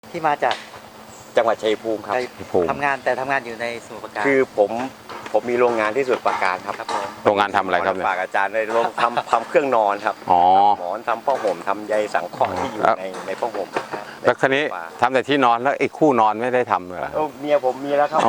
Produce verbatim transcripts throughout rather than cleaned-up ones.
ที่มาจากจังหวัดชัยภูมิครับทำงานแต่ทำงานอยู่ในสมุทรปราการคือผมผมมีโรงงานที่สมุทรปราการครับโรงงานทำอะไรครับเนี่ยฝากอาจารย์ในโรงทำทำเครื่องนอนครับอ๋อหมอนทำผ้าห่มทำใยสังเคราะห์ที่อยู่ในในผ้าห่มแล้วคันนี้ทำแต่ที่นอนแล้วไอ้คู่นอนไม่ได้ทำเหรอเมียผมมีแล้วครับ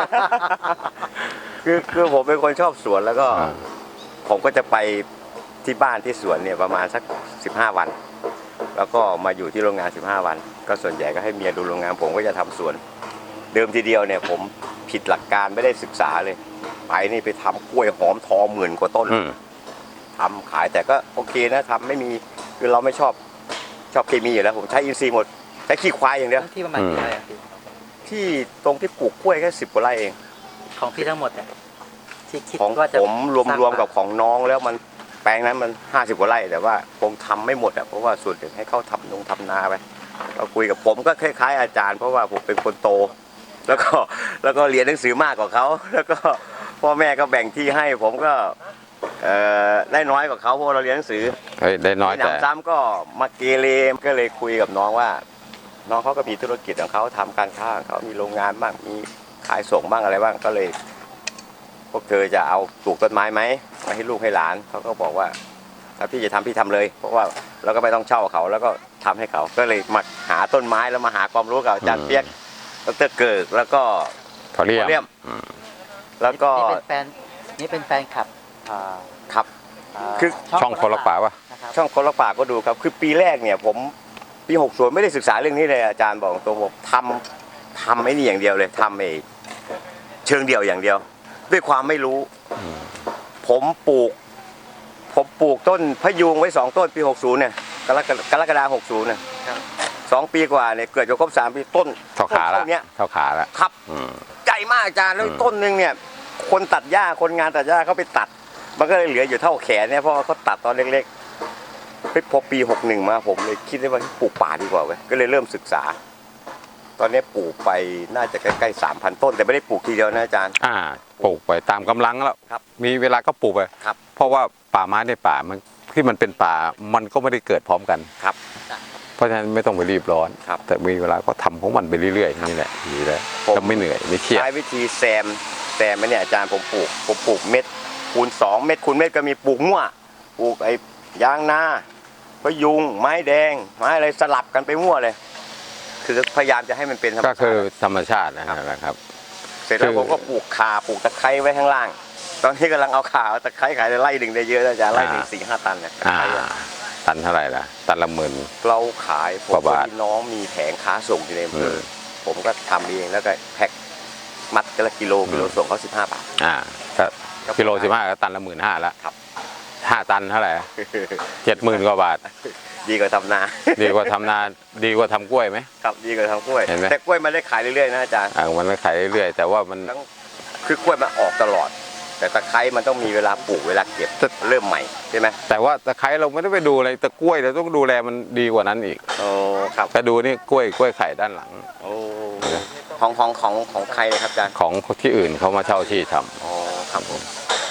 คือคือผมเป็นคนชอบสวนแล้วก็ผมก็จะไปที่บ้านที่สวนเนี่ยประมาณสักสิบห้าวันแล้วก็มาอยู่ที่โรงงานสิบห้าวันก็ส่วนใหญ่ก็ให้เมียดูโรงงานผมก็จะทำสวนเดิมทีเดียวเนี่ยผมผิดหลักการไม่ได้ศึกษาเลยไปนี่ไปทำกล้วยหอมทองหมื่นกว่าต้นทำขายแต่ก็โอเคนะทำไม่มีคือเราไม่ชอบชอบเคมีอยู่แล้วผมใช้อินทรีย์หมดใช้ขี้ควายอย่างเดียวที่ประมาณกี่ไร่ที่ตรงที่ปลูกกล้วยแค่สิบกว่าไร่เองของพี่ทั้งหมดเนี่ยที่คิดว่าจะผมรวมๆกับของน้องแล้วมันแปลงนั้นมันห้าสิบกว่าไร่แต่ว่าผมทำไม่หมดอ่ะเพราะว่าส่วนหนึ่งให้เขาทำนงทำนาไปเราคุยกับผมก็คล้ายๆอาจารย์เพราะว่าผมเป็นคนโตแล้วก็แล้วก็เรียนหนังสือมากกว่าเขาแล้วก็พ่อแม่ก็แบ่งที่ให้ผมก็ได้น้อยกว่าเขาเพราะเราเรียนหนังสือได้น้อยแต่ซ้ำก็มาเกเรก็เลยคุยกับน้องว่าน้องเขาก็มีธุรกิจของเขาทำการค้าของเขามีโรงงานบ้างมีขายส่งบ้างอะไรบ้างก็เลยพวกเธอจะเอาปลูกต้นไม้ไหมมาให้ลูกให้หลานเขาก็บอกว่าถ้าพี่จะทำพี่ทำเลยเพราะว่าเราก็ไม่ต้องเช่าเขาแล้วก็ทำให้เขาก็เลยมาหาต้นไม้แล้วมาหาความรู้กับอาจารย์เปียกดร.เกิดแล้วก็พอเรียมแล้วก็นี่เป็นแฟนนี่เป็นแฟนคลับครับคือช่องคนละป่าวะช่องคนละป่าก็ดูครับคือปีแรกเนี่ยผมปีหกสิบไม่ได้ศึกษาเรื่องนี้เลยอาจารย์บอกตัวผมทำทำไอ้นี่อย่างเดียวเลยทำไอ้เชิงเดียวอย่างเดียวด้วยความไม่รู้ผมปลูกผมปลูกต้นพะยุงไว้สองต้นปีหกสิบเนี่ยกรกฎากรกฎาหกสิบเนี่ยสองปีกว่าเนี่ยเกิดจะครบสามปีต้นเท่าขาแล้วเท่าขาแล้วครับใหญ่มากอาจารย์แล้วต้นนึงเนี่ยคนตัดหญ้าคนงานตัดหญ้าเขาไปตัดมันก็เลยเหลืออยู่เท่าแขนเนี่ยเพราะเขาตัดตอนเล็กๆพอปีหกสิบมาผมเลยคิดได้ว่าปลูกป่าดีกว่าเว้ยก็เลยเริ่มศึกษาตอนนี้ปลูกไปน่าจะใกล้ๆสามพันต้นแต่ไม่ได้ปลูกทีเดียวนะอาจารย์อ่าปลูกไปตามกำลังแล้วครับมีเวลาก็ปลูกไปครับเพราะว่าป่าไม้ในป่ามันที่มันเป็นป่ามันก็ไม่ได้เกิดพร้อมกันครับเพราะฉะนั้นไม่ต้องไปรีบร้อนครับแต่มีเวลาก็ทำของมันไปเรื่อยๆนี่แหละดีแล้วก็ไม่เหนื่อยไม่เครียดใช้วิธีแซมแซมไหมเนี่ยอาจารย์ผมปลูกผมปลูกเม็ดคูณสองเม็ดคูณเม็ดก็มีปลูกมั่วปลูกไอ้ยางนาพะยุงไม้แดงไม้อะไรสลับกันไปมั่วเลยคือพยายามจะให้มันเป็นธรรมชาติก็คือธรรมชาตินะครับเสร็จแล้วผมก็ปลูกข่าปลูกตะไคร้ไว้ข้างล่างตอนนี้กำลังเอาข่าตะไคร้ขายไร่หนึ่งได้เยอะนะจ๊ะไร่หนึ่งสี่ห้าตันเนี่ยตันเท่าไหร่ล่ะตันละหมื่นเราขายผมพี่น้องมีแผงค้าส่งอยู่ในอำเภอผมก็ทำเองแล้วก็แพ็คมัดกันละกิโลกิโลส่งเขาสิบห้าบาทอ่าก็กิโลสิบห้าก็ตันละหมื่นห้าแล้วครับห้าตันเท่าไหร่เจ็ดหมื่นกว่าบาทดีกว่าทำนาดีกว่าทำนาดีกว่าทำกล้วยไหมครับดีกว่าทำกล้วยแต่กล้วยมันได้ขายเรื่อยๆนะอาจารย์อ่ามันได้ขายเรื่อยๆแต่ว่ามันคือกล้วยมันออกตลอดแต่ตะไคร้มันต้องมีเวลาปลูกเวลาเก็บเริ่มใหม่ใช่ไหมแต่ว่าตะไคร้เราไม่ได้ไปดูอะไรตะกล้วยเราต้องดูแลมันดีกว่านั้นอีกโอ้ครับไปดูนี่กล้วยกล้วยไข่ด้านหลังโอ้ของของของของใครครับอาจารย์ของที่อื่นเขามาเช่าที่ทำอ๋อครับผม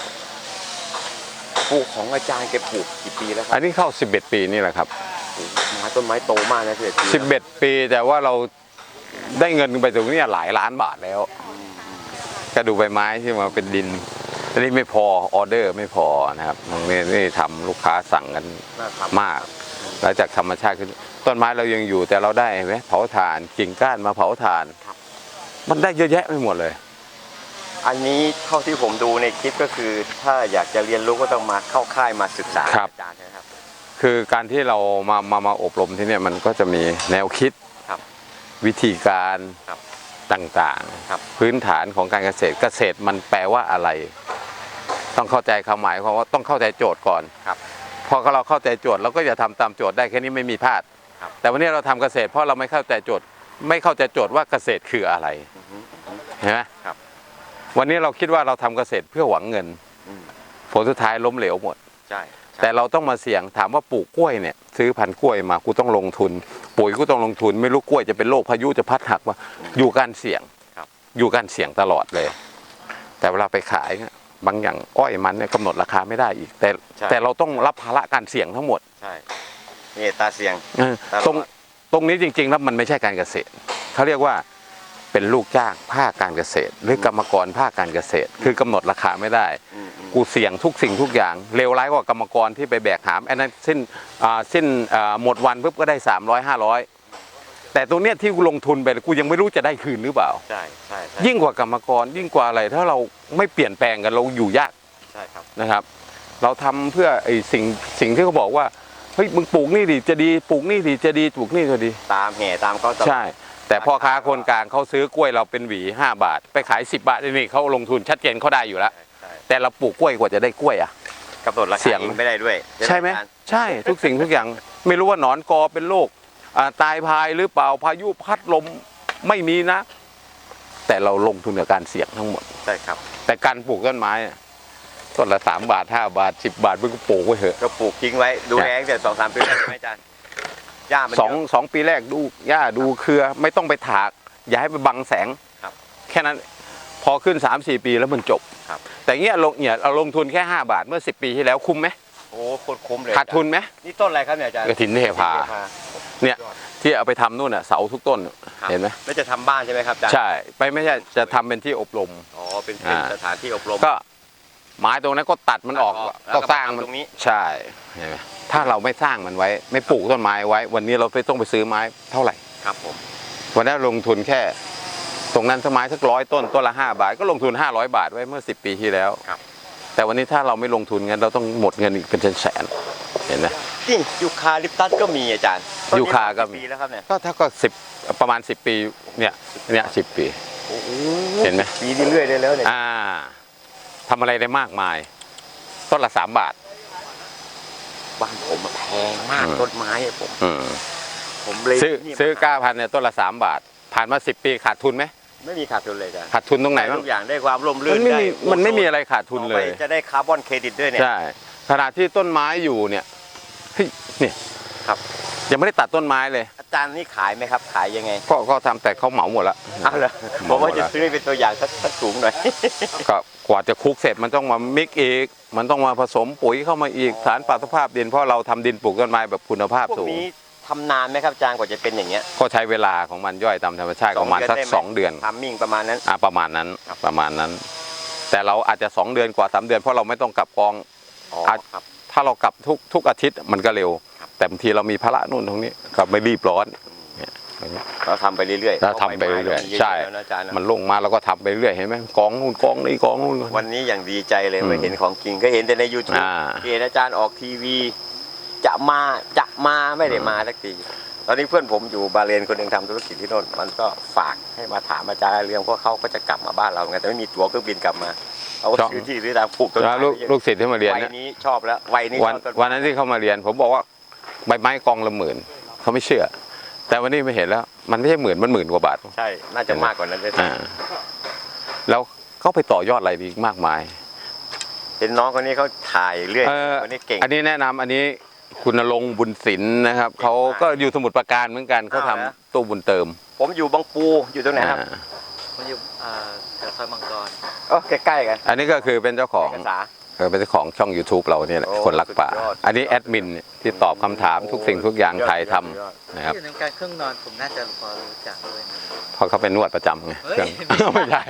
ปลูกของอาจารย์แกปลูกกี่ปีแล้วครับอันนี้เข้าสิบเอ็ดปีนี่แหละครับมาต้นไม้โตมากนะสิบเอ็ดปีสิบเอ็ดปีแต่ว่าเราได้เงินไปตรงนี้หลายล้านบาทแล้วก็ดูใบไม้ที่มาเป็นดินอันนี้ไม่พอออเดอร์ไม่พอนะครับตรงนี้นี่ทำลูกค้าสั่งกันมากหลังจากธรรมชาติขึ้นต้นไม้เรายังอยู่แต่เราได้ไหมเผาถ่านกิ่งก้านมาเผาถ่านมันได้เยอะแยะไปหมดเลยอันนี้เท่าที่ผมดูในคลิปก็คือถ้าอยากจะเรียนรู้ก็ต้องมาเข้าค่ายมาศึกษาอาจารย์นะครับคือการที่เรามามามาอบรมที่นี่มันก็จะมีแนวคิดวิธีการต่างๆพื้นฐานของการเกษตรเกษตรมันแปลว่าอะไรต้องเข้าใจความหมายของว่าต้องเข้าใจโจทย์ก่อนพอเราเข้าใจโจทย์เราก็จะทำตามโจทย์ได้แค่นี้ไม่มีพลาดแต่วันนี้เราทำเกษตรเพราะเราไม่เข้าใจโจทย์ไม่เข้าใจโจทย์ว่าเกษตรคืออะไรเห็นไหมวันนี้เราคิดว่าเราทำเกษตรเพื่อหวังเงินผลสุดท้ายล้มเหลวหมดแต่เราต้องมาเสี่ยงถามว่าปลูกกล้วยเนี่ยซื้อพันธุ์กล้วยมากูต้องลงทุนปุ๋ยกูต้องลงทุนไม่รู้กล้วยจะเป็นโรคพายุจะพัดหักว่าอยู่การเสี่ยงอยู่การเสี่ยงตลอดเลยแต่เวลาไปขายบางอย่างอ้อยมันเนี่ยกำหนดราคาไม่ได้อีกแต่แต่เราต้องรับภาระการเสี่ยงทั้งหมดใช่นี่ตาเสี่ยงตรงตรงนี้จริงๆแล้วมันไม่ใช่การเกษตรเขาเรียกว่าเป็นลูกจ้างภาคการเกษตร หรือกรรมกรภาคการเกษตร คือกำหนดราคาไม่ได้กูเสี่ยงทุกสิ่งทุกอย่างเลวร้ายกว่ากรรมกรที่ไปแบกหามอันนั้นสิ้นสิ้นหมดวันปุ๊บก็ได้สามร้อยห้าร้อยแต่ตรงเนี้ยที่กูลงทุนไปกูยังไม่รู้จะได้คืนหรือเปล่าใช่ใช่ยิ่งกว่ากรรมกรยิ่งกว่าอะไรถ้าเราไม่เปลี่ยนแปลงกันเราอยู่ยากใช่ครับนะครับเราทำเพื่อไอ้สิ่งสิ่งที่เขาบอกว่าเฮ้ยมึงปลูกนี่ดิจะดีปลูกนี่ดิจะดีปลูกนี่จะดีตามแห่ตามเขาใช่แต่พ่อค้าคนกลางเขาซื้อกล้วยเราเป็นหวีห้าบาทไปขายสิบบาทนี่เขาลงทุนชัดเจนเขาได้อยู่แล้วแต่เราปลูกกล้วยกว่าจะได้กล้วยอ่ะกำหนดราคาเสี่ยงไม่ได้ด้วยใช่ไหมใช่ทุกสิ่งทุกอย่างไม่รู้ว่าหนอนกอเป็นโรคตายพายหรือเปล่าพายุพัดลมไม่มีนะแต่เราลงทุนกับการเสี่ยงทั้งหมดใช่ครับแต่การปลูกต้นไม้ต้นละสามบาทห้าบาทสิบบาทมึงก็ปลูกไว้เถอะก็ปลูกทิ้งไว้ดูแลแต่สองสามปีใช่ไหมอาจารย์หญ้ามันสองสองปีแรกดูหญ้าดูเครือไม่ต้องไปถากอย่าให้ไปบังแสงแค่นั้นพอขึ้นสามสี่ปีแล้วมันจบแต่เงี้ยลงเนี่ยเราลงทุนแค่ห้าบาทเมื่อสิบปีที่แล้วคุ้มไหมโอ้โคตรคุ้มเลยขาดทุนไหมนี่ต้นอะไรครับเนี่ยอาจารย์กระถินเทพาเนี่ยที่เอาไปทำนู่นน่ะเสาทุกต้นเห็นไหมแล้วจะทำบ้านใช่ไหมครับอาจารย์ใช่ไปไม่ใช่จะทำเป็นที่อบรมอ๋อเป็นสถานที่อบรมก็ไม้ตรงนั้นก็ตัดมันออกก็สร้างมันตรงนี้ใช่เห็นไหมถ้าเราไม่สร้างมันไว้ไม่ปลูกต้นไม้ไว้วันนี้เราไปต้องไปซื้อไม้เท่าไหร่ครับผมวันนั้นลงทุนแค่ตรงนั้นต้นไม้สักร้อยต้นต้นละห้าบาทก็ลงทุนห้าร้อยบาทไว้เมื่อสิบปีที่แล้วแต่วันนี้ถ้าเราไม่ลงทุนเงินเราต้องหมดเงินอีกเป็นแสนเห็นไหมนี่ยูคาลิปตัสก็มีอาจารย์ยูคาก็มีแล้วครับเนี่ยก็ถ้าก็สิบประมาณสิบปีเนี่ยเนี่ยสิบปีเห็นไหมปีเรื่อยๆเลยแล้วเนี่ยอ่าทำอะไรได้มากมายต้นละสามบาทบ้านผมแพงมากต้นไม้ผมผมเลยซื้อซื้อเก้าพันเนี่ยต้นละสามบาทผ่านมาสิบปีขาดทุนไหมไม่มีขาดทุนเลยจ้ะขาดทุนตรงไหนทุกอย่างได้ความร่มรื่นได้มันไม่มีอะไรขาดทุนเลยจะได้คาร์บอนเครดิตด้วยเนี่ยใช่ขณะที่ต้นไม้อยู่เนี่ยเฮ้ยเนี่ยครับยังไม่ได้ตัดต้นไม้เลยอาจารย์นี่ขายไหมครับขายยังไงก็ก็ทำแต่เขาเหมาหมดแล้วเอาเลยผมว่าจะซื้อเป็นตัวอย่างสักสักถุงหน่อยก็กว่าจะคลุกเสร็จมันต้องมามิกอีกมันต้องมาผสมปุ๋ยเข้ามาอีกสารปรับสภาพดินเพราะเราทำดินปลูกต้นไม้แบบคุณภาพสูงทำนานไหมครับอาจารย์กว่าจะเป็นอย่างเงี้ยก็ใช้เวลาของมันย่อยตามธรรมชาติประมาณสักสองเดือนทำมิ่งประมาณนั้นอ่าประมาณนั้นประมาณนั้นแต่เราอาจจะสองเดือนกว่าสามเดือนเพราะเราไม่ต้องกลับกองถ้าเรากลับทุกทุกอาทิตย์มันก็เร็วแต่บางทีเรามีภาระนู่นตรงนี้ก็ไม่รีบร้อนเราทำไปเรื่อยๆเราทำไปเรื่อยๆใช่มันลงมาเราก็ทำไปเรื่อยเห็นไหมกองนู่นกองนี่กองนู่นวันนี้อย่างดีใจเลยมาเห็นของจริงก็เห็นแต่ในยูทูบเห็นอาจารย์ออกทีวีจะมาจะมาไม่ได้มาสักทีตอนนี้เพื่อนผมอยู่บาเลนคนหนึ่งทำธุรกิจที่โน่นมันก็ฝากให้มาถามอาจารย์เรื่องเพราะเขาก็จะกลับมาบ้านเราไงแต่ไม่มีตั๋วเครื่องบินกลับมาเอาซื้อที่ซื้อทางปลูกต้นไม้ลูกศิษย์ที่มาเรียนวัยนี้ชอบแล้ววัยนี้วันวันนั้นที่เขามาเรียนผมบอกว่าใบไม้กองละหมื่นเขาไม่เชื่อแต่วันนี้ไม่เห็นแล้วมันไม่ใช่หมื่นมันหมื่นกว่าบาทใช่น่าจะมากกว่านั้นเลยแล้วเขาไปต่อยอดอะไรดีมากมายเห็นน้องคนนี้เขาถ่ายเรื่อยคนนี้เก่งอันนี้แนะนำอันนี้คุณณรงค์บุญศิลป์นะครับเขาก็อยู่สมุทรปราการเหมือนกันเขาทำตู้บุญเติมผมอยู่บางปูอยู่ตรงไหนครับผมอยู่แถวซอยมังกรอ๋อใกล้ๆกันอันนี้ก็คือเป็นเจ้าของเป็นเจ้าของช่อง ยูทูบ เราเนี่ยคนรักป่าอันนี้แอดมินที่ตอบคำถามทุกสิ่งทุกอย่างถ่ายทำนะครับที่ทำการเครื่องนอนผมน่าจะพอรู้จักด้วยเพราะเขาเป็นนวดประจำไงไม่ใช่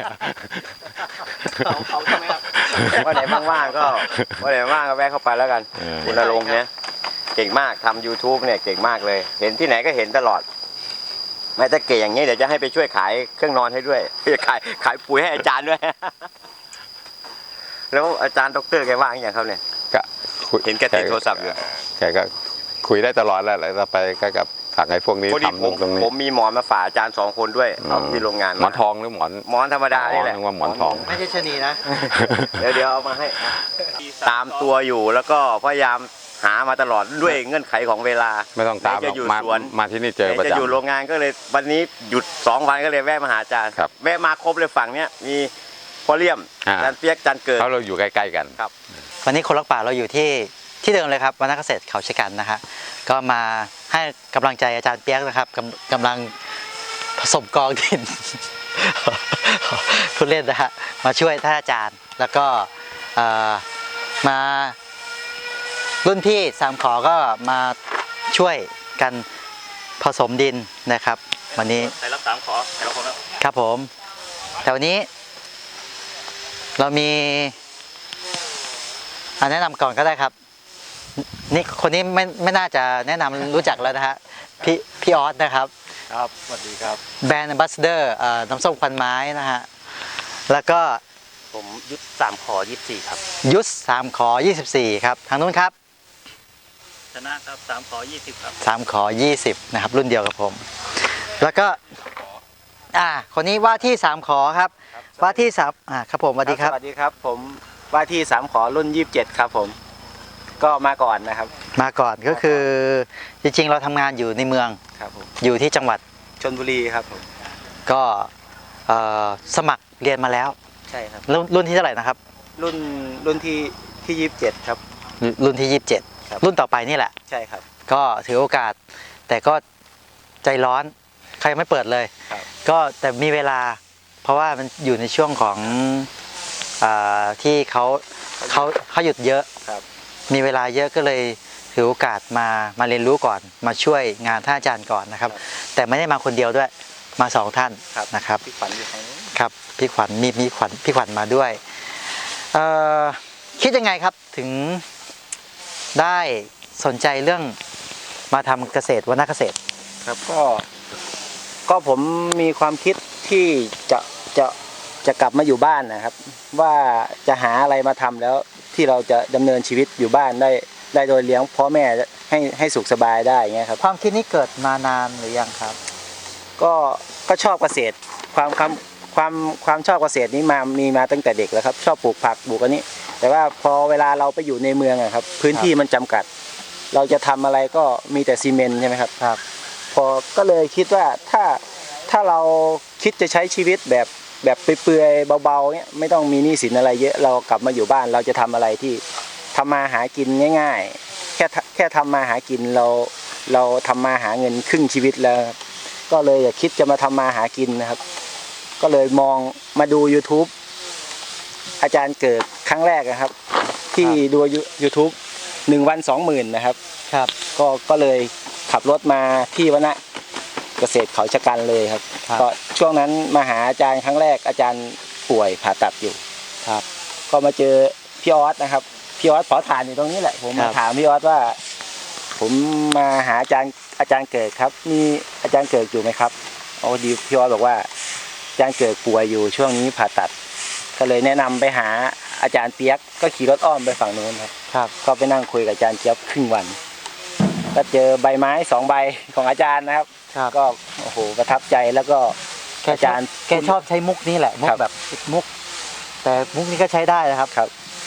เขาใช่ไหมครับว่าไหนว่างๆก็ว่าไหนว่างก็แวะเข้าไปแล้วกันคุณณรงค์เนี่ยเก่งมากทำ ยูทูบ เนี่ยเก่งมากเลยเห็นที่ไหนก็เห็นตลอดแม้แต่เก่งอย่างนี้เดี๋ยวจะให้ไปช่วยขายเครื่องนอนให้ด้วยขายขายปุ๋ยให้อาจารย์ด้วยแล้วอาจารย์ด็อกเตอร์แกว่างอย่างเขาเนี่ยก็เห็นแกติดโทรศัพท์อยู่แกก็คุยได้ตลอดแล้วเราไปกับสั่งไอ้พวกนี้ทำตรงนี้ผมมีหมอนมาฝากอาจารย์สองคนด้วยเอาที่โรงงานหมอนทองหรือหมอนหมอนธรรมดานี่แหละว่าหมอนทองไม่ใช่ชนีนะเดี๋ยวเดี๋ยวเอามาให้ตามตัวอยู่แล้วก็พยายามหามาตลอดด้วยเงื่อนไขของเวลาไม่ต้องตามจะอยู่สวนมาที่นี่เจอประจำจะอยู่โรงงานก็เลยวันนี้หยุดสองวันก็เลยแวะมาหาอาจารย์แวะมาครบเลยฝั่งเนี้ยมีพ่อเลี่ยมจันเปียกจันเกิดเพราะเราอยู่ใกล้ๆกันครับวันนี้คนรักป่าเราอยู่ที่ที่เดิมเลยครับวรรณเกษตรเขาชะกันนะฮะก็มาให้กำลังใจอาจารย์เปียกนะครับกำกำลังผสมกองดินพูดเล่นนะฮะมาช่วยท่านอาจารย์แล้วก็มารุ่นพี่สามขอก็มาช่วยกันผสมดินนะครับ วันนี้ใส่รับสามขอใส่รับผมแล้วครับผม แต่วันนี้ เรามีอ่ะแนะนำก่อนก็ได้ครับ นี่คนนี้ไม่ไม่น่าจะแนะนำรู้จักแล้วนะฮะพี่พี่ออสนะครับครับสวัสดีครับแบรนด์ Ambassador เอ่อน้ำส้มควันไม้นะฮะแล้วก็ผมยุทธสามขอยี่สิบสี่ครับยุทธสามขอยี่สิบสี่ครับทางนู้นครับชนะครับสามขอยี่สิบครับสามขอยี่สิบนะครับรุ่นเดียวกับผม แล้วก็อ่าคนนี้ว่าที่สามขอครับว่าที่สามอ่าครับผมสวัสดีครับสวัสดีครับผมว่าที่สามขอรุ่นยี่สิบเจ็ดครับผมก็มาก่อนนะครับมาก่อนก็คือจริงๆเราทำงานอยู่ในเมืองครับผมอยู่ที่จังหวัดชลบุรีครับผมก็เอ่อสมัครเรียนมาแล้วใช่ครับรุ่นรุ่นที่เท่าไหร่นะครับรุ่นรุ่นที่ที่ยี่สิบเจ็ดครับรุ่นที่ยี่สิบเจ็ดครับรุ่นต่อไปนี่แหละใช่ครับก็ถือโอกาส แต่ก็ใจร้อนใครยังไม่เปิดเลยครับก็แต่มีเวลา เพราะว่ามันอยู่ในช่วงของอาที่เขาเขาเขาหยุดเยอะครับมีเวลาเยอะก็เลยถือโอกาสมามาเรียนรู้ก่อน มาช่วยงานท่านอาจารย์ก่อนนะครับ แต่ไม่ได้มาคนเดียวด้วยมาสองท่านครับนะครับพี่ขวัญอยู่ของครับพี่ขวัญมีมีขวัญพี่ขวัญมาด้วยเอ่อคิดยังไงครับถึงได้สนใจเรื่องมาทำเกษตรวนาเกษตรครับก็ก็ผมมีความคิดที่จะจะจะกลับมาอยู่บ้านนะครับ ว่าจะหาอะไรมาทำแล้วที่เราจะดำเนินชีวิตอยู่บ้านได้ได้โดยเลี้ยงพ่อแม่ให้ให้สุขสบายได้อย่างเงี้ยครับความคิดนี้เกิดมานานหรือยังครับก็ก็ชอบเกษตรความความความความชอบเกษตรนี้มามีมาตั้งแต่เด็กแล้วครับ ชอบปลูกผักปลูกอันนี้ แต่ว่าพอเวลาเราไปอยู่ในเมืองอะครับ พื้นที่มันจำกัด เราจะทำอะไรก็มีแต่ซีเมนต์ใช่ไหมครับครับพอก็เลยคิดว่าถ้าถ้าเราคิดจะใช้ชีวิตแบบแบบเปื่อยๆเบาๆเนี้ยไม่ต้องมีหนี้สินอะไรเยอะเรากลับมาอยู่บ้านเราจะทำอะไรที่ทำมาหากินง่าย ๆ แค่แค่ทำมาหากินเราเราทำมาหาเงินครึ่งชีวิตแล้วครับก็เลยอยากคิดจะมาทำมาหากินนะครับ ก็เลยมองมาดู YouTube อาจารย์เกิดครั้งแรกนะครับ ที่ดู YouTube หนึ่งวันสองหมื่นนะครับครับก็ก็เลยขับรถมาที่วนะเกษตรเขาชะกันเลยครับครับก็ช่วงนั้นมาหาอาจารย์ครั้งแรกอาจารย์ป่วยผ่าตัดอยู่ครับก็มาเจอพี่ออสนะครับพี่ออสขอทานอยู่ตรงนี้แหละผมครัมาบถามพี่ออสว่า ผมมาหาอาจารย์อาจารย์เกิดครับมีอาจารย์เกิดอยู่ไหมครับอ๋อดีพี่ออสบอกว่าอาจารย์เกิดป่วยอยู่ช่วงนี้ผ่าตัด ก็เลยแนะนำไปหาอาจารย์เปียกก็ขี่รถอ้อมไปฝั่งนู้นครับครับก็ไปนั่งคุยกับอาจารย์เจี๊ยบครึ่งวัน ก็เจอใบไม้สองใบของอาจารย์นะครับครับก็โอ้โหประทับใจแล้วก็แกอาชอจาบรย์แกชอบใช้มุกนี้แหละมุกครับแบบมุก แต่มุกนี้ก็ใช้ได้นะครับครับ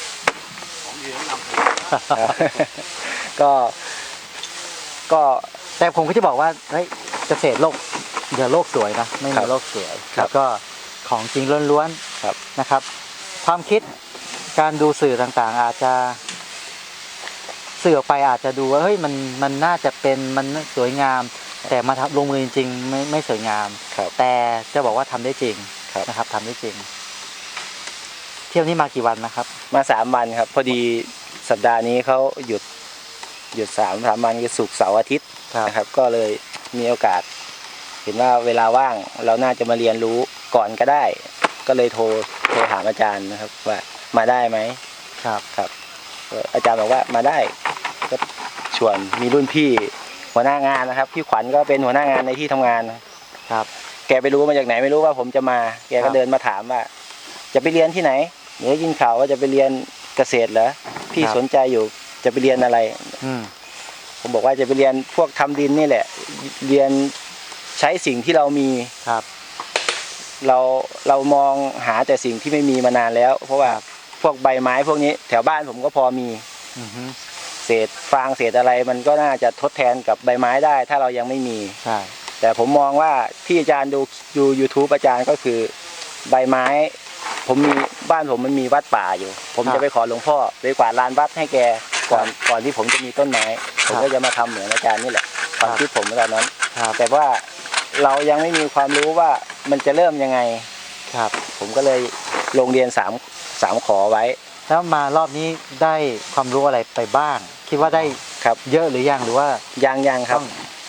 ก็ก็แต่ผมก็จะบอกว่าเฮ้ยเกษตรโลกเดี๋ยวโลกสวยนะไม่ครัมีบโลกสวยครับแล้วก็ของจริงล้วนครับๆนะครับ ความคิดการดูสื่อต่างๆ อาจจะสื่อออกไปอาจจะดูว่าเฮ้ยมันมันน่าจะเป็นมันสวยงาม แต่มาทำลงมือจริงๆไม่ไม่สวยงามครับแต่จะบอกว่าทำได้จริงครับนะครับทำได้จริง เที่ยวนี้มากี่วันนะครับมาสามวันครับ พอดีสัปดาห์นี้เขาหยุดหยุดสามสามวันคือศุกร์เสาร์อาทิตย์ครับนะครับ ก็เลยมีโอกาส เห็นว่าเวลาว่างเราน่าจะมาเรียนรู้ก่อนก็ได้ ก็เลยโทรโทรถามอาจารย์นะครับ ว่ามาได้ไหมครับครับก็อาจารย์บอกว่ามาได้ก็ชวนมีรุ่นพี่หัวหน้างานนะครับพี่ขวัญก็เป็นหัวหน้างานในที่ทำงานครับแกไปรู้มาจากไหนไม่รู้ว่าผมจะมา แกครัก็บเดินมาถามว่า จะไปเรียนที่ไหนเดี๋ยวยินข่าวว่าจะไปเรียนเกษตรเหรอพี่ครับสนใจอยู่จะไปเรียนอะไรอืมผมบอกว่าจะไปเรียนพวกทำดินนี่แหละ เรียนใช้สิ่งที่เรามีครับเราเรามองหาแต่สิ่งที่ไม่มีมานานแล้ว เพราะว่าพวกใบไม้พวกนี้แถวบ้านผมก็พอมีอือฮึเศษฟางเศษอะไรมันก็น่าจะทดแทนกับใบไม้ได้ ถ้าเรายังไม่มีใช่แต่ผมมองว่าที่อาจารย์ดูดู YouTube อาจารย์ก็คือใบไม้ ผมมีบ้านผมมันมีวัดป่าอยู่ ผมจะไปขอหลวงพ่อไปกวาดลานวัดให้แกก่อนก่อนที่ผมจะมีต้นไม้ ผมก็จะมาทำเหมือนอาจารย์นี่แหละความคิดผมตอนนั้นครับแต่ว่าเรายังไม่มีความรู้ว่ามันจะเริ่มยังไงครับผมก็เลยลงเรียนสามสามขอไว้แล้วมารอบนี้ได้ความรู้อะไรไปบ้าง คิดว่าได้ครับเยอะหรือยังหรือว่ายังยังครับต้องท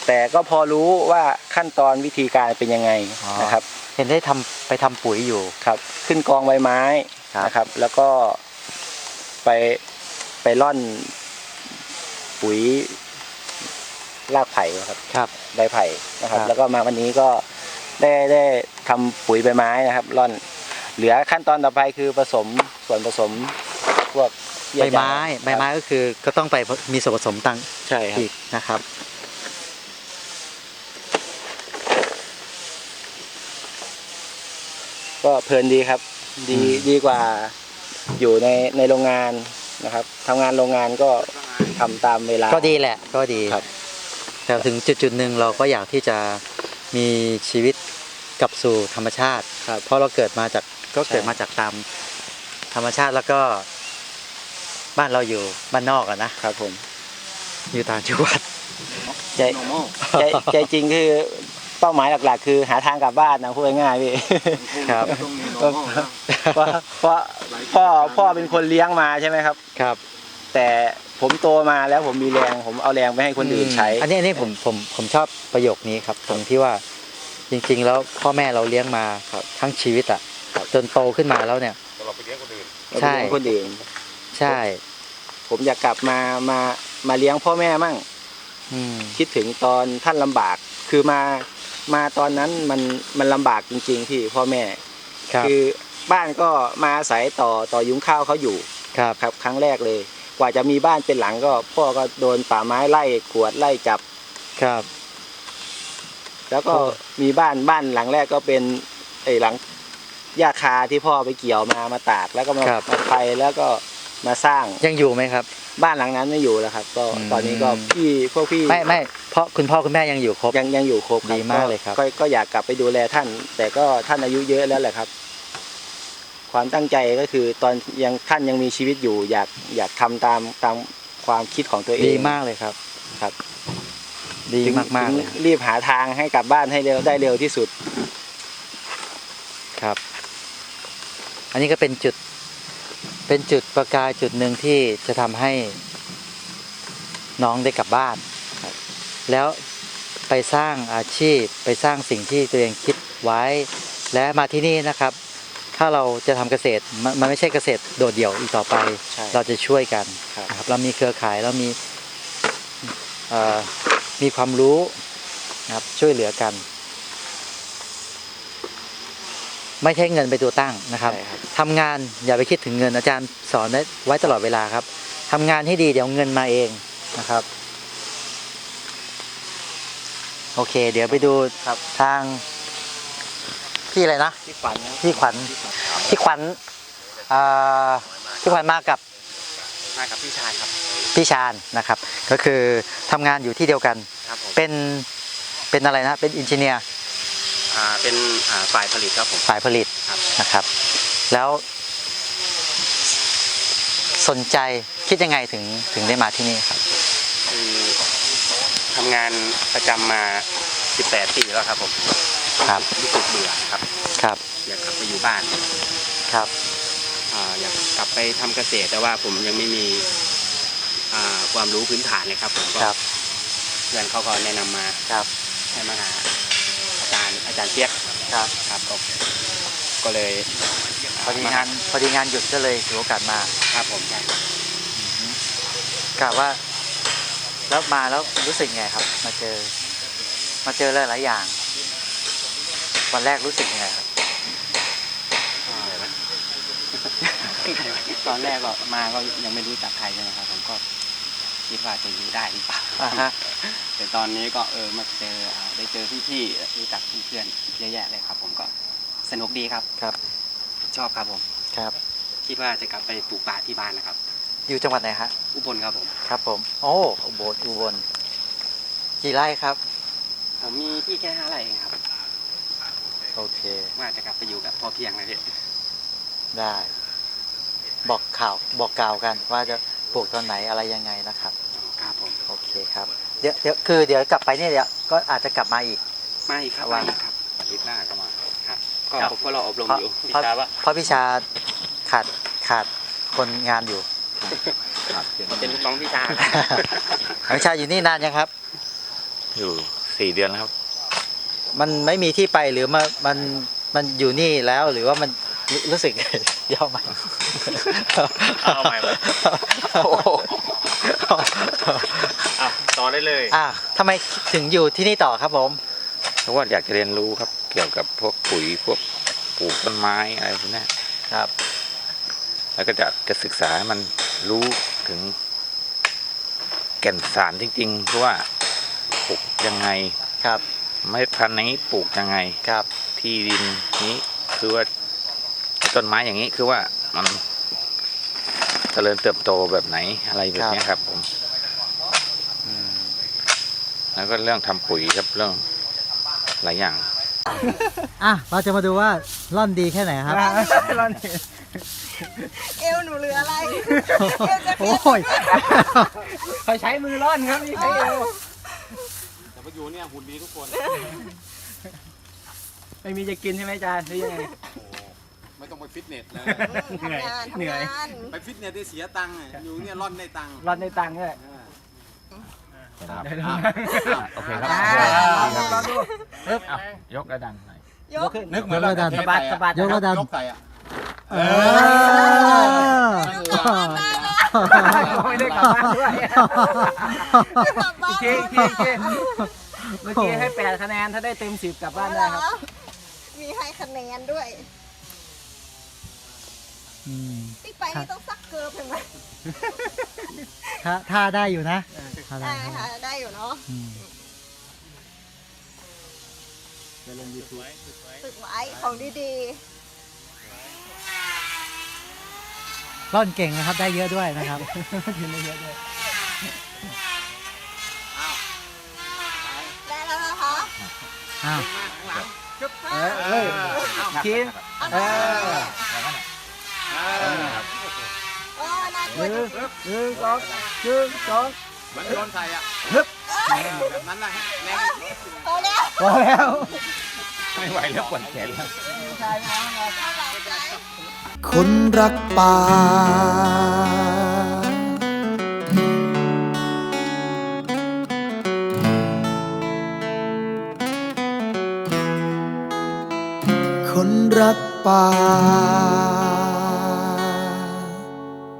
แต่ก็พอรู้ว่าขั้นตอนวิธีการเป็นยังไงอ๋อนะครับเห็นได้ทำไปทำปุ๋ยอยู่ครับ ขึ้นกองใบไม้ครับนะครับ แล้วก็ไปไปร่อนปุ๋ยรากไผ่ครับครับใบไผ่นะครับครับแล้วก็มาวันนี้ก็ได้ได้ทำปุ๋ยใบไม้นะครับ ร่อนเหลือขั้นตอนต่อไปคือผสมส่วนผสมพวกเยื่อใบไม้ใยใบไม้ก็คือก็ต้องไปมีส่วนผสมต่างใช่ครับอีกนะครับก็เพลินดีครับ ดีอืมดีกว่าอยู่ในในโรงงานนะครับทำงานโรงงานก็ทำตามเวลาก็ดีแหละก็ดีครับแต่ถึงจุดจุดๆหนึ่งเราก็อยากที่จะมีชีวิตกลับสู่ธรรมชาติครับเพราะเราเกิดมาจากก็เกิดใช่มาจากตามธรรมชาติแล้วก็บ้านเราอยู่บ้านนอกอะนะครับผมอยู่ต่างจังหวัดใจใจใจจริงคือเป้าหมายหลักๆ คือหาทางกลับบ้านนะพูดง่ายๆพี่ครับเพราะเพราะพ่อพ่อเป็นคนเลี้ยงมาใช่ไหมครับครับแต่ผมโตมาแล้วผมมีแรงผมเอาแรงไปให้คนอื่นใช้อันนี้อันนี้ผมผมผมชอบประโยคนี้ครับ ตรงที่ว่าจริงๆ แล้วพ่อแม่เราเลี้ยงมาครับทั้งชีวิตอ่ะจนโตขึ้นมาแล้วเนี่ยเราไปเลี้ยงคนอื่นเอาไปใช่เลี้ยงคนอื่นใช่ผมอยากกลับมามามาเลี้ยงพ่อแม่มั่งอืมคิดถึงตอนท่านลำบาก คือมามาตอนนั้นมันมันลำบากจริงๆที่พ่อแม่ครับคือบ้านก็มาอาศัยต่อต่อยุ้งข้าวเขาอยู่ครับครับครั้งแรกเลย กว่าจะมีบ้านเป็นหลังก็พ่อก็โดนป่าไม้ไล่ขวดไล่จับครับแล้วก็โอ้มีบ้านบ้านหลังแรกก็เป็นไอ้หลังหญ้าคาที่พ่อไปเกี่ยวมามาตากแล้วก็มามาไฟแล้วก็มาสร้างยังอยู่ไหมครับบ้านหลังนั้นไม่อยู่แล้วครับ ก็อืมตอนนี้ก็พี่พวกพี่ไม่ไม่เพราะคุณพ่อคุณแม่ยังอยู่ครบยังยังอยู่ครบครับดีมากเลยครับก็ก็อยากกลับไปดูแลท่าน แต่ก็ท่านอายุเยอะแล้วแหละครับ ความตั้งใจก็คือตอนยังท่านยังมีชีวิตอยู่ อยากอยากทำตามตามความคิดของตัวเองดีมากเลยครับครับดีถึงมากๆเลยถึงรีบหาทางให้กลับบ้านให้เร็วได้เร็วที่สุดครับ อันนี้ก็เป็นจุด เป็นจุดประกายจุดหนึ่งที่จะทำให้น้องได้กลับบ้านครับแล้วไปสร้างอาชีพไปสร้างสิ่งที่ตัวเองคิดไว้ และมาที่นี่นะครับ ถ้าเราจะทำเกษตรมันมันไม่ใช่เกษตรโดดเดี่ยวอีกต่อไปใช่เราจะช่วยกันครับนะครับเรามีเครือข่ายเรามีเอ่อมีความรู้นะครับช่วยเหลือกัน ไม่ใช่เงินเป็นตัวตั้งนะครับใช่ครับทำงานอย่าไปคิดถึงเงินอาจารย์สอนไว้ตลอดเวลาครับทำงานให้ดีเดี๋ยวเงินมาเองนะครับ โอเค เดี๋ยวไปดูครับทางพี่อะไรนะที่ฝันนะพี่ขวัญพี่ขวัญอ่าพี่ขวัญมากับมากับพี่ชายครับพี่ชาญนะครับ ก็คือทำงานอยู่ที่เดียวกันครับผมเป็นเป็นอะไรนะเป็นอินจิเนียร์อ่าเป็นอ่าฝ่ายผลิตครับผมฝ่ายผลิตครับนะครับ แล้วสนใจคิดยังไงถึงถึงได้มาที่นี่ครับคือทำงานประจำมาสิบแปดปีแล้วครับผมครับรู้สึกเบื่อครับครับอยากกลับไปอยู่บ้านครับอ่าอยากกลับไปทำเกษตรแต่ว่าผมยังไม่มีอ่าความรู้พื้นฐานเลยครับผมก็ครับเพื่อนเขาก็แนะนำมาครับให้มาหาอาจารย์อาจารย์เปียกครับครับก็ก็เลยพอดีงานพอดีงานหยุดก็เลยถือโอกาสมาครับผมใช่กะว่า แล้วมาแล้วรู้สึกไงครับ มาเจอ มาเจอหลายๆอย่าง วันแรกรู้สึกยังไงครับอ่าตอนแรกก็มาก็ยังไม่รู้จักใครใช่ไหมครับผมก็คิดว่าจะอยู่ได้หรือเปล่าอ่าฮะแต่ตอนนี้ก็เออมาเจออ่าได้เจอพี่ๆรู้จักเพื่อนๆเยอะแยะเลยครับ ผมก็สนุกดีครับครับชอบครับผมครับคิดว่าจะกลับไปปลูกป่าที่บ้านนะครับอยู่จังหวัดไหนฮะอุบลครับผมครับผม โอ้อุบลอุบลกี่ไร่ครับผมมีที่แค่ห้าไร่เองครับโอเคว่าจะกลับไปอยู่แบบพอเพียงเลยพี่ได้ บอกข่าวบอกกล่าวกันว่าจะปลูกตอนไหนอะไรยังไงนะครับครับผมโอเคครับ เดี๋ยวเดี๋ยวคือเดี๋ยวกลับไปเนี่ยเดี๋ยวก็อาจจะกลับมาอีกไม่ครับว่าไม่ครับอาทิตย์หน้าก็มาครับก็ครับผมก็รออบรมเพราะอยู่พี่เพราะชายว่าเพราะพี่ชาขาดขาดคนงานอยู่เป็นลูกน้องพี่ชายพี่ชาอยู่นี่นานยังครับอยู่สี่เดือนแล้วครับมันไม่มีที่ไปหรือมันมันมันอยู่นี่แล้วหรือว่ามันรู้รู้สึก ย่อใหม่เอาใหม่ไหม อ่ะต่อได้เลยอ่ะทำไมถึงอยู่ที่นี่ต่อครับผมเพราะว่าอยากจะเรียนรู้ครับเกี่ยวกับพวกปุ๋ยพวกปลูกต้นไม้อะไรพวกนี้ครับแล้วก็จะจะศึกษาให้มันรู้ถึงแก่นสารจริงๆเพราะว่าปลูกยังไงครับเมล็ดพันธุ์นี้ปลูกยังไงครับที่ดินนี้คือว่าต้นไม้อย่างนี้คือว่ามันเจริญเติบโตแบบไหนอะไรแบบนี้ครับผมอืมแล้วก็เรื่องทำปุ๋ยครับเรื่องหลายอย่างอ่ะเราจะมาดูว่าร่อนดีแค่ไหนครับเอวหนูเหลืออะไรเอวจะขึ้นโอ้ยเขาใช้มือร่อนครับนี่ใช้เอวแต่มาอยู่เนี่ยหุ่นดีทุกคนไม่มีจะกินใช่ไหมอาจารย์หรือยังไงไม่ต้องไปฟิตเนสเลยทำงานเหนื่อยทำงานไปฟิตเนสได้เสียตังค์อะอยู่เนี่ยร่อนได้ตังค์ร่อนในตังค์ด้วยครับโอเคครับลองดูยกระดังหน่อยยกนึกเหมือนเราดันสะบัดสะบัดยกระดันยกไก่อะเออไม่ได้กลับบ้านด้วยกลับบ้านอีกทีอีกทีอีกทีเมื่อกี้ให้แปดคะแนนถ้าได้เต็มสิบกลับบ้านได้ครับมีให้คะแนนด้วยอืมที่ไปนี่ต้องซักเกิร์ฟเห็นไหมถ้าถ้าได้อยู่นะถ้าได้ได้ค่ะได้อยู่เนาะอืมฝึกไว้ของดีร่อนเก่งนะครับได้เยอะด้วยนะครับๆ ได้แล้วนะคะอ้าวเออเออคิดเอาเอได้อโอ้น่ากหลัวนึ่งจังหนึ่งสองหนึ่งสองเหมือนโยนไข่อะแบบนั้นแหละฮะแรงพอแล้วพอแล้วไม่ไหวแล้วปวดแขนแล้วน่ารักใจคนรักป่า คนรักป่า